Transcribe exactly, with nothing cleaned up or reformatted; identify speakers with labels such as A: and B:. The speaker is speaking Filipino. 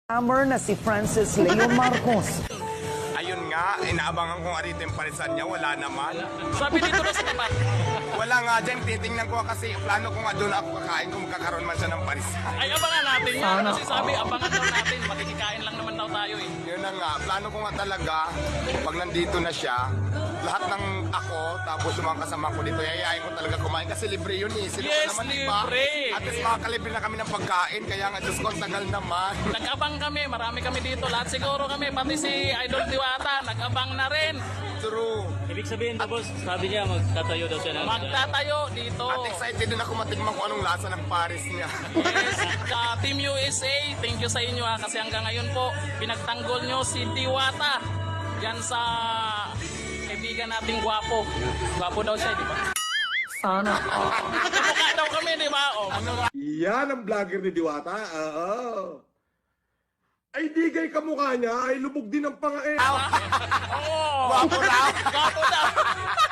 A: Scammer na si Francis Leo Marcos.
B: Ayun nga, inaabangan ko nga rito yung parisan niya, wala naman.
C: Sabi dito na sa tapat.
B: Wala nga dyan, titingnan ko kasi plano ko nga doon ako kakain kung magkakaroon man siya ng parisan.
C: Ay, abangan natin yan. Kasi sabi, abangan daw natin. Makikikain lang naman daw tayo eh.
B: Yun na nga, plano ko nga talaga, pag nandito na siya, lahat ng ako, tapos yung mga kasama ko dito, yayayain ko talaga kumain kasi libre yun eh. Sino
C: Yes,
B: naman,
C: libre.
B: Diba? At least makakalibre na kami ng pagkain, kaya nga, Diyos ko, ang tagal naman.
C: Nag-abang kami. Marami kami dito. Lahat siguro kami. Pati si Idol Diwata. Nag-abang na rin.
B: True.
D: Ibig sabihin tapos sabi niya magtatayo daw siya ng...
C: Magtatayo dito.
B: At excited din ako matikman kung anong lasa ng Paris niya.
C: Yes, sa Team U S A, thank you sa inyo ha. Kasi hanggang ngayon po, pinagtanggol nyo si Diwata. Yan sa kaibigan nating gwapo. Gwapo daw siya, di ba?
A: Sana all.
C: Kamukha daw kami, di ba? O, ano nga?
E: Yan ang vlogger ni Diwata. Oo. Ay, di kay kamukha niya, ay lubog din ang pangain.
C: Oo.
B: Gwapo raw.
C: Gwapo daw.